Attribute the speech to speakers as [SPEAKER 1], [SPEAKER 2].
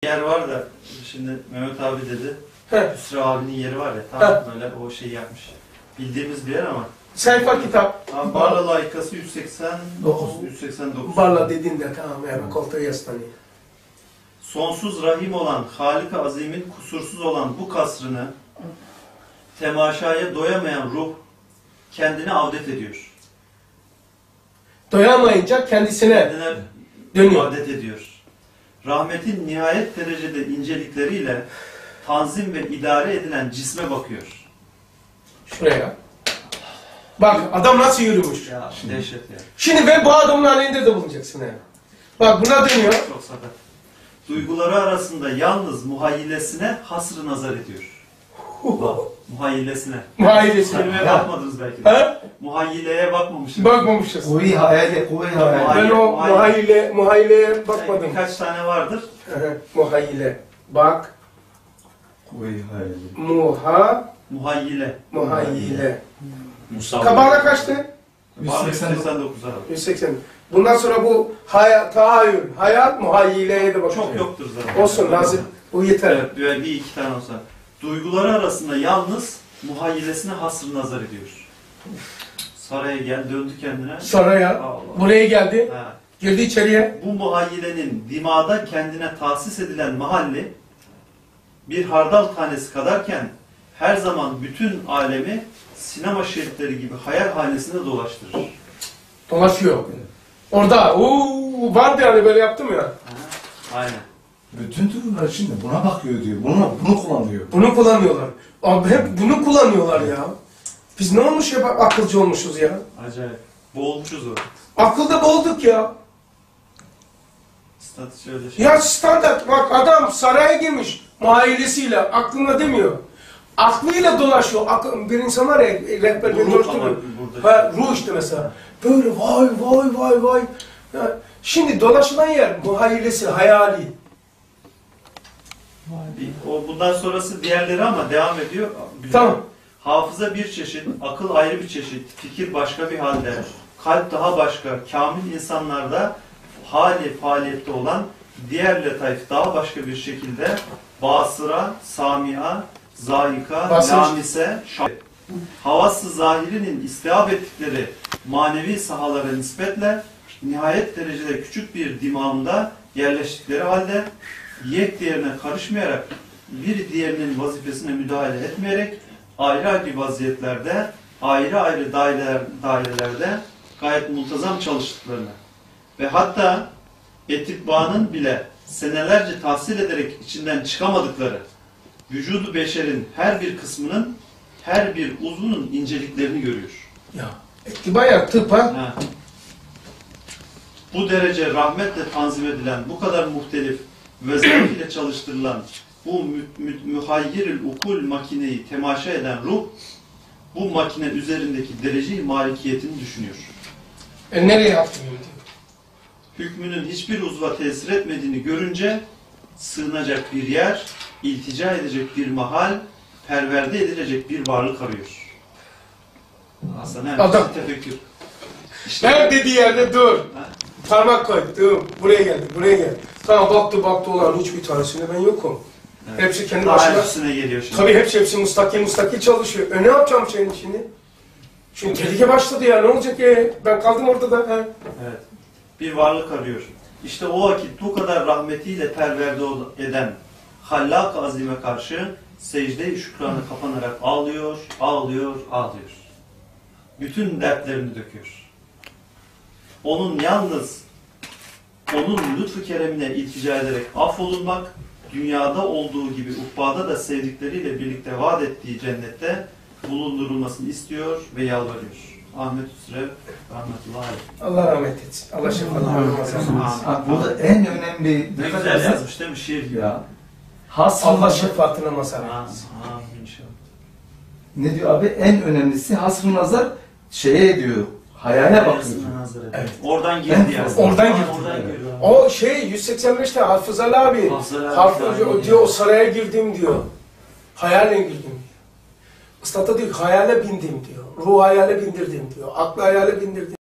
[SPEAKER 1] yer var da şimdi Mehmet abi dedi. Hüsrev abinin yeri var ya tam böyle o şeyi yapmış. Bildiğimiz bir yer ama.
[SPEAKER 2] Sayfa kitap.
[SPEAKER 1] Barla layıkası 189.
[SPEAKER 2] Barla dediğinde tamam yani koltuğa yaslanıyor.
[SPEAKER 1] Sonsuz rahim olan Halik-i Azim'in kusursuz olan bu kasrını temaşaya doyamayan ruh kendini avdet ediyor.
[SPEAKER 2] Doyamayınca kendine dönüyor.
[SPEAKER 1] Avdet ediyor. Rahmetin nihayet derecede incelikleriyle tanzim ve idare edilen cisme bakıyor.
[SPEAKER 2] Şuraya. Bak adam nasıl yürümüş.
[SPEAKER 1] Ya dehşet ya.
[SPEAKER 2] Şimdi ben bu adamın halinde de bulunacaksın yani. Bak buna dönüyor.
[SPEAKER 1] Çok sakat. Duyguları arasında yalnız muhayyilesine hasrı nazar ediyor. Bak, muhayyilesine.
[SPEAKER 2] Muhayyilesine.
[SPEAKER 1] Kelimeye bakmadınız belki de.
[SPEAKER 2] Ha?
[SPEAKER 1] Muhayyileye bakmamışsınız.
[SPEAKER 2] Bakmamışız.
[SPEAKER 3] Kuvve-i hayali, kuvve-i hayali.
[SPEAKER 2] Ben o muhayyileye bakmadım.
[SPEAKER 1] Birkaç tane vardır.
[SPEAKER 2] Muhayyile. Bak.
[SPEAKER 3] Kuvve-i hayali.
[SPEAKER 1] Muhayyile.
[SPEAKER 2] Muhayyile. Kabağına kaçtı?
[SPEAKER 1] 189 abi.
[SPEAKER 2] 180. Bundan sonra bu tahayyül, hayat muhayyileye de bakıyor.
[SPEAKER 1] Çok yoktur zaten.
[SPEAKER 2] Olsun lazım. Bu yeter.
[SPEAKER 1] Evet, böyle bir iki tane olsa. Duyguları arasında yalnız muhayyilesine hasrı nazar ediyor. Saraya gel, döndü kendine.
[SPEAKER 2] Saraya,
[SPEAKER 1] Allah.
[SPEAKER 2] buraya geldi.
[SPEAKER 1] Ha.
[SPEAKER 2] Girdi içeriye.
[SPEAKER 1] Bu muhayyilenin dimada kendine tahsis edilen mahalli bir hardal tanesi kadarken her zaman bütün alemi sinema şeritleri gibi hayal hanesinde dolaştırır.
[SPEAKER 2] Dolaşıyor. Orada, vardı yani böyle yaptım ya.
[SPEAKER 1] Ha, aynen.
[SPEAKER 3] Bütün türlüler şimdi buna bakıyor diyor. Bunu kullanıyor.
[SPEAKER 2] Bunu kullanıyorlar. Abi hep bunu kullanıyorlar ya. Biz ne olmuş ya, bak akılcı olmuşuz ya.
[SPEAKER 1] Acayip. Boğulmuşuz o.
[SPEAKER 2] Akılda boğulduk ya.
[SPEAKER 1] Statüsü öyle şey.
[SPEAKER 2] Ya standart bak adam saraya girmiş muhayyilesiyle aklına demiyor. Aklıyla dolaşıyor. Bir insan var ya rehber beni dolaştırıyor. Ruh işte mesela. Böyle vay. Ya, şimdi dolaşılan yer muhayyilesi, hayali.
[SPEAKER 1] O bundan sonrası diğerleri ama devam ediyor. Güzel.
[SPEAKER 2] Tamam.
[SPEAKER 1] Hafıza bir çeşit, akıl ayrı bir çeşit, fikir başka bir halde, kalp daha başka, kamil insanlarda hali faaliyette olan diğer letaif daha başka bir şekilde basıra, samia, zayika, lamise, havası zahirinin istihab ettikleri manevi sahalara nispetle nihayet derecede küçük bir dimağında yerleştikleri halde yek diğerine karışmayarak bir diğerinin vazifesine müdahale etmeyerek ayrı ayrı vaziyetlerde, ayrı ayrı dairelerde gayet muntazam çalıştıklarını ve hatta etibbanın bile senelerce tahsil ederek içinden çıkamadıkları vücudu beşerin her bir kısmının, her bir uzvunun inceliklerini görüyor.
[SPEAKER 2] Ya, bayağı tıp ha.
[SPEAKER 1] Bu derece rahmetle tanzim edilen, bu kadar muhtelif ve zevk ile çalıştırılan bu mühayyir-ül ukul makineyi temaşa eden ruh, bu makine üzerindeki derece-i malikiyetini düşünüyor.
[SPEAKER 2] Nereye attın?
[SPEAKER 1] Hükmünün hiçbir uzva tesir etmediğini görünce sığınacak bir yer, iltica edecek bir mahal, perverde edilecek bir varlık arıyor. Aslında
[SPEAKER 2] adam
[SPEAKER 1] tefekkür. İşte
[SPEAKER 2] her dediği yerde dur. Parmak koy. Dur. Buraya geldi. Tamam baktı olan hiçbir tanesinde ben yokum. Evet. Hepsi kendi başına.
[SPEAKER 1] Geliyor şimdi.
[SPEAKER 2] Tabii hepsi müstakil çalışıyor. Ne yapacağım senin şimdi? Şimdi tehlike başladı ya. Ne olacak ki? Ben kaldım orada da.
[SPEAKER 1] Evet. Bir varlık arıyor. İşte o vakit bu kadar rahmetiyle perverde eden Hallak-ı Azim'e karşı secde-i şükranı kapanarak ağlıyor. Bütün dertlerini döküyor. Onun lütfu keremine iltica ederek affolunmak, dünyada olduğu gibi ukbada da sevdikleriyle birlikte vaat ettiği cennette bulundurulmasını istiyor ve yalvarıyor. Ahmet Hüsrev rahmetullahi aleyh.
[SPEAKER 2] Allah rahmet etsin. Allah şefaatini versin.
[SPEAKER 3] Burada en önemli...
[SPEAKER 1] Ne güzel yazmış değil mi şiir gibi?
[SPEAKER 3] Ya.
[SPEAKER 2] Allah şefaatine mazhar etsin.
[SPEAKER 1] Amin inşallah.
[SPEAKER 3] Ne diyor abi? En önemlisi hasr-ı nazar şeye diyor. Hayale bakıyor.
[SPEAKER 1] Evet. Oradan girdi yani.
[SPEAKER 2] Oradan girdi. O 185'te Hafız Ali abi. Diyor o saraya girdim diyor. Hayale girdim. Üstad'a diyor hayale bindim diyor. Ruh hayale bindirdim diyor. Aklı hayale bindirdim.